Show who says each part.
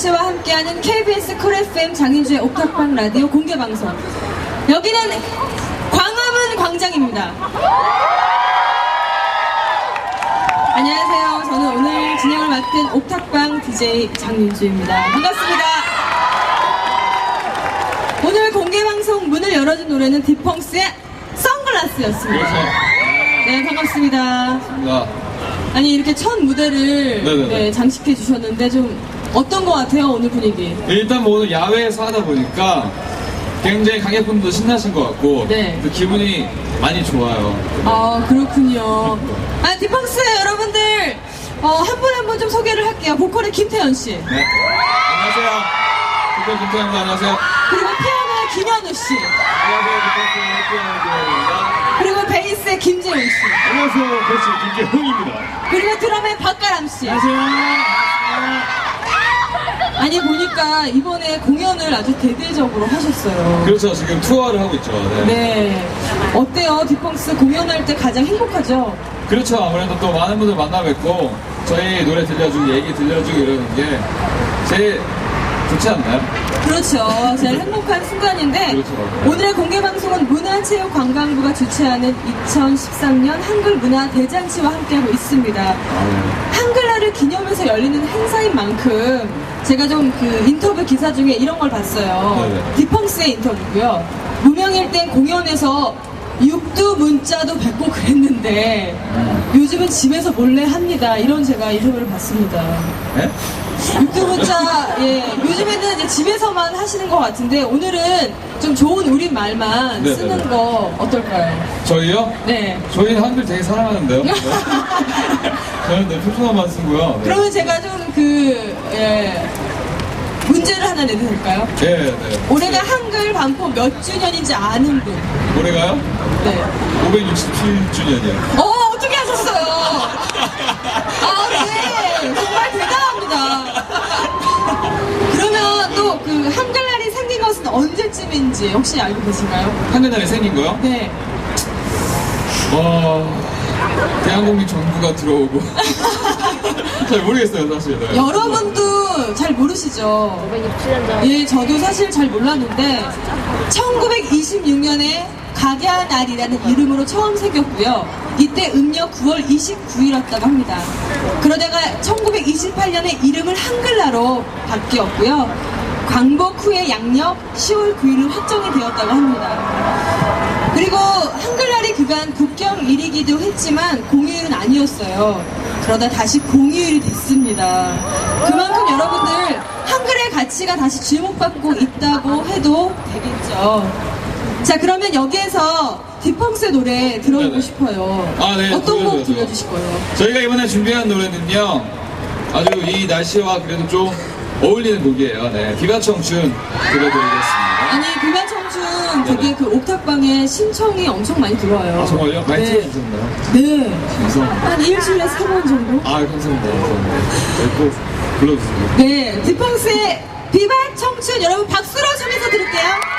Speaker 1: 씨와 함께하는 KBS 쿨 FM 장윤주의 옥탑방 라디오 공개방송. 여기는 광화문 광장입니다. 안녕하세요. 저는 오늘 진행을 맡은 옥탑방 DJ 장윤주입니다. 반갑습니다. 오늘 공개방송 문을 열어준 노래는 디펑스의 선글라스였습니다.
Speaker 2: 그렇죠.
Speaker 1: 네, 반갑습니다.
Speaker 2: 반갑습니다.
Speaker 1: 아니, 이렇게 첫 무대를 네, 장식해 주셨는데 좀 어떤 것 같아요, 오늘 분위기?
Speaker 2: 일단 뭐 오늘 야외에서 하다 보니까 굉장히 관객분도 신나신 것 같고
Speaker 1: 네.
Speaker 2: 그 기분이 많이 좋아요.
Speaker 1: 아, 그렇군요. 아, 디펑스 여러분들 한 분 한 분 좀 소개를 할게요. 보컬의 김태현 씨.
Speaker 2: 네. 안녕하세요. 디펑스 김태현입니다. 안녕하세요.
Speaker 1: 그리고 피아노의 김현우 씨.
Speaker 2: 안녕하세요. 디펑스 김태현입니다.
Speaker 1: 그리고 베이스의 김재훈 씨.
Speaker 2: 안녕하세요. 베이스 김재훈입니다.
Speaker 1: 그리고 드럼의 박가람 씨.
Speaker 2: 안녕하세요.
Speaker 1: 아니, 보니까 이번에 공연을 아주 대대적으로 하셨어요.
Speaker 2: 그렇죠. 지금 투어를 하고 있죠. 네.
Speaker 1: 네. 어때요? 디펑스 공연할 때 가장 행복하죠?
Speaker 2: 그렇죠. 아무래도 또 많은 분들 만나 뵙고 저희 노래 들려주고 얘기 들려주고 이러는 게 제일 좋지 않나요?
Speaker 1: 그렇죠. 제일 행복한 순간인데
Speaker 2: 그렇죠.
Speaker 1: 오늘의 공개방송은 문화체육관광부가 주최하는 2013년 한글문화 대잔치와 함께하고 있습니다. 한글날을 기념해서 열리는 행사인 만큼 제가 좀 그 인터뷰 기사 중에 이런 걸 봤어요.
Speaker 2: 네네.
Speaker 1: 디펑스의 인터뷰고요. 무명일 땐 공연에서 육두 문자도 뵙고 그랬는데 요즘은 집에서 몰래 합니다. 이런 제가 인터뷰를 봤습니다.
Speaker 2: 네?
Speaker 1: 육두 문자, 예, 요즘에는 이제 집에서만 하시는 것 같은데 오늘은 좀 좋은 우리말만
Speaker 2: 네네네.
Speaker 1: 쓰는 거 어떨까요?
Speaker 2: 저희요?
Speaker 1: 네.
Speaker 2: 저희는 한글 되게 사랑하는데요. 네. 저는 네, 표준어만 쓰고요. 네.
Speaker 1: 그러면 제가 좀 예, 문제를 하나 내도 될까요?
Speaker 2: 네, 네.
Speaker 1: 올해가 한글 반포 몇 주년인지 아는 분.
Speaker 2: 올해가요?
Speaker 1: 네.
Speaker 2: 567주년이요.
Speaker 1: 어떻게 하셨어요? 아, 네. 정말 대단합니다. 그러면 또 그 한글날이 생긴 것은 언제쯤인지 혹시 알고 계신가요?
Speaker 2: 한글날에 생긴 거요?
Speaker 1: 네.
Speaker 2: 대한민국 정부가 들어오고 잘 모르겠어요 사실. 네.
Speaker 1: 여러분도 잘 모르시죠?
Speaker 3: 567년 전.
Speaker 1: 예, 저도 사실 잘 몰랐는데 1926년에 각야날이라는 이름으로 처음 생겼고요. 이때 음력 9월 29일이었다고 합니다. 그러다가 1928년에 이름을 한글나라로 바뀌었고요. 광복 후에 양력 10월 9일로 확정이 되었다고 합니다. 그리고 한글날이 그간 국경일이기도 했지만 공휴일은 아니었어요. 그러다 다시 공휴일이 됐습니다. 그만큼 여러분들 한글의 가치가 다시 주목받고 있다고 해도 되겠죠. 자, 그러면 여기에서 디펑스의 노래 들어보고
Speaker 2: 네네.
Speaker 1: 싶어요.
Speaker 2: 아, 네,
Speaker 1: 어떤 곡
Speaker 2: 들려줘야죠.
Speaker 1: 들려주실 거예요?
Speaker 2: 저희가 이번에 준비한 노래는요 아주 이 날씨와 그래도 좀 어울리는 곡이에요. 네, 비바청춘 들려드리겠습니다.
Speaker 1: 아니, 비바청춘 되게
Speaker 2: 네네.
Speaker 1: 그 옥탑방에 신청이 엄청 많이 들어와요.
Speaker 2: 아 정말요? 많이
Speaker 1: 네.
Speaker 2: 틀어주셨나요?
Speaker 1: 네.
Speaker 2: 감사합니다.
Speaker 1: 한 일주일에 3번 정도?
Speaker 2: 아 감사합니다. 네, 꼭 불러주세요.
Speaker 1: 네, 디펑스의 비바 청춘 여러분 박수로 청해서 들을게요.